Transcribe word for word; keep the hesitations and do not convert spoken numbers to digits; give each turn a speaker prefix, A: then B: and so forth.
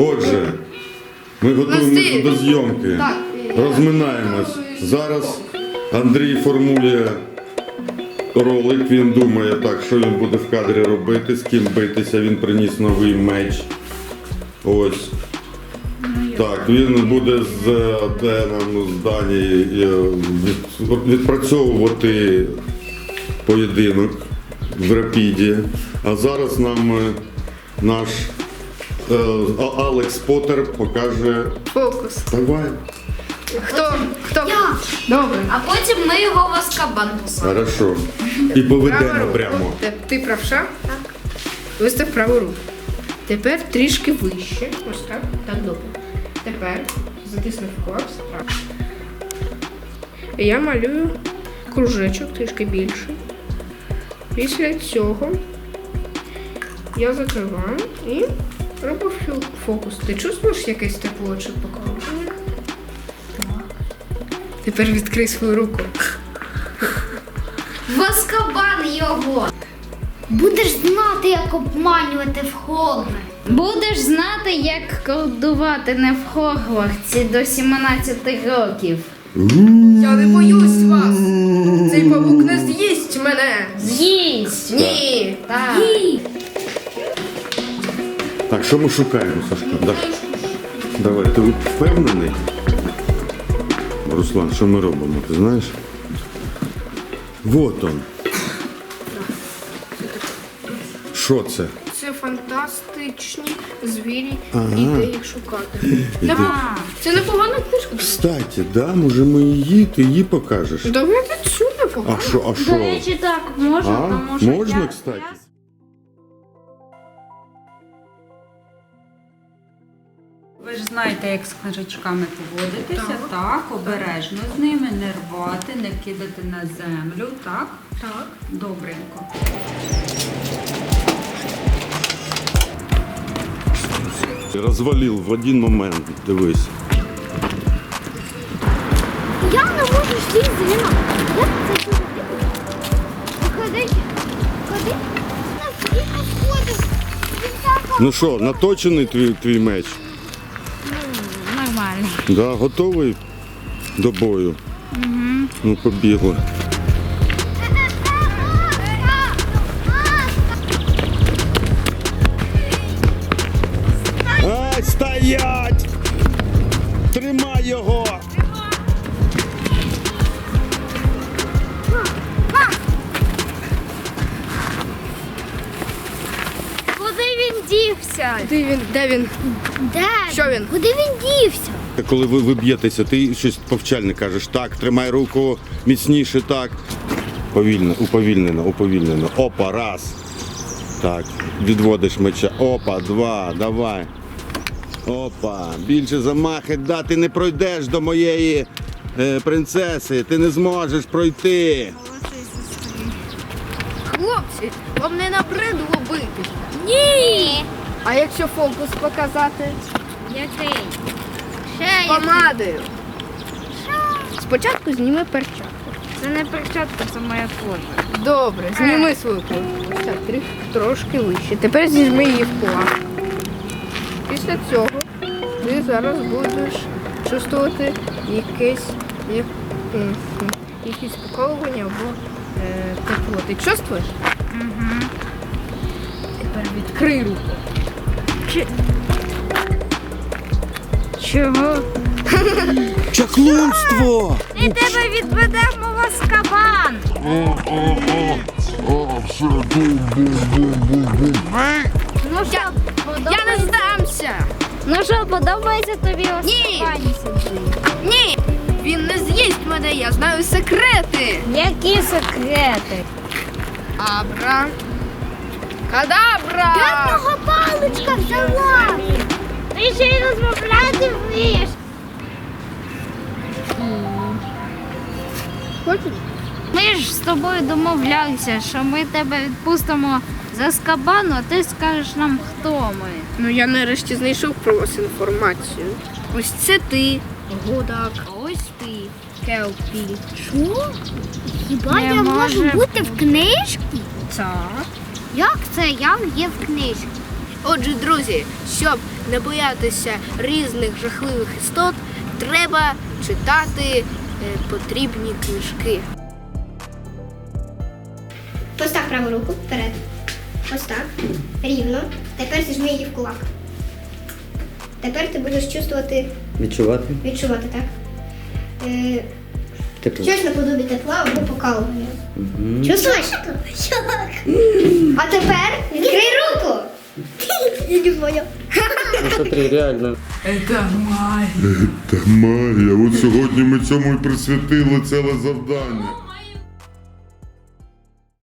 A: Отже, ми готуємося до зйомки. Розминаємось. Зараз Андрій формує ролик, він думає так, що він буде в кадрі робити, з ким битися, він приніс новий меч. Ось. Так, він буде з Деном, з Дані відпрацьовувати поєдинок в Рапіді. А зараз нам наш е, Алекс Поттер покаже
B: фокус.
A: Давай.
B: Хто? Хто?
C: Я.
B: Добре.
C: А потім ми його в Азкабан посадимо.
A: Хорошо. І поведемо
B: Праву
A: прямо.
B: руку. Ти, ти правша?
C: Так.
B: Вистав праву руку. Тепер трішки вище. Ось так. Так, добре. Тепер затиснув корпус. Так. І я малюю кружечок трішки більший. Після цього я закриваю і роблю фокус. Ти чувствуєш якесь тепло чи покоління? Тепер відкрий свою руку.
C: В Азкабан його. Будеш знати, як обманювати в Хогвартсі. Будеш знати, як колдувати не в Хогвартсі до сімнадцяти років.
B: Я не боюсь вас! Цей павук не з'їсть мене!
C: З'їсть.
B: Ні!
C: Так.
A: Так, що ми шукаємо, Сашко? Да. Давай, ти впевнений? Руслан, що ми робимо, ти знаєш? Вот он. Що це?
B: Це фантастичні звірі,
A: Ага.
B: і де їх шукати. Непо- Це непогана книжка.
A: Кстати, да, може ми її, ти її покажеш?
B: Давайте цю непогано.
A: А що, а
C: До
A: що?
C: речі, так, можна,
A: А?
C: тому що
A: Можна,
C: я-
A: кстати?
D: Ви ж знаєте, як з книжечками поводитися, так. обережно з ними, не рвати, не кидати на землю, так?
B: Так.
D: Добренько.
A: Розвалив в один момент, дивись.
C: Я не можу сісти з ним. Як це зробити? Ходи, ходи. Наскільки сходиш?
A: Ну що, наточений твій, твій меч?
C: Нормально.
A: Да, готовий до бою? Угу. Ну, побігли. Ай, стоять! Тримай його!
C: Куди він дівся?
B: Де він? Де він?
C: Де?
B: Що він?
C: Куди він дівся?
A: Коли ви, ви б'єтеся, ти щось повчальне кажеш. Так, тримай руку міцніше, так. Повільно, уповільнено, уповільнено. Опа, раз. Так, відводиш меча. Опа, два, давай. Опа, більше замахи, да, ти не пройдеш до моєї е, принцеси, ти не зможеш пройти.
B: Хлопці, вам не набридло бити.
C: Ні.
B: А якщо фокус показати?
C: Який? Ще який?
B: Помадою. Спочатку зніми перчатку.
C: Це не перчатка, це моя кожа.
B: Добре, зніми свою кожу. Так, трі- трошки вище. Тепер зіжми її в кулак. Після цього ти зараз будеш чувствувати якесь, як, м, м, якісь поколування або е, тепло. Ти чувствуєш?
C: Угу.
B: Тепер відкрий руку.
C: Чого?
A: Чаклунство!
C: І тебе відведемо в Азкабан. Ну що,
B: Я не здамся!
C: Ну що, подобається тобі в
B: Ні.
C: Азкабані сидіти?
B: Ні! Він не з'їсть мене, я знаю секрети!
C: Які секрети?
B: Абра. Кадабра!
C: Де в нього паличка взяла? Ти ще й розмовляти вмієш.
B: Хочеш?
C: Ми ж з тобою домовлялися, що ми тебе відпустимо з Азкабану, а ти скажеш нам, хто ми.
B: Ну я нарешті знайшов про вас інформацію. Ось це ти, Гудак. Ось ти, Келпі.
C: Що? Хіба
B: Не
C: я можу
B: може
C: бути в книжці?
B: Так.
C: Як це я є в книжці?
B: Отже, друзі, щоб не боятися різних жахливих істот, треба читати е, потрібні книжки.
E: Постав праву руку вперед. Ось так. Рівно. Тепер зіжми її в кулак. Тепер ти будеш чувствувати,
F: Відчувати?
E: відчувати, так? Е,
F: Тепло.
E: щось наподобі тепла або покалування. Чувствуєш? А тепер відкрий руку. Я не понял.
F: Ну, смотри, реально.
A: Та магія, от сьогодні ми цьому і присвятили ціле завдання.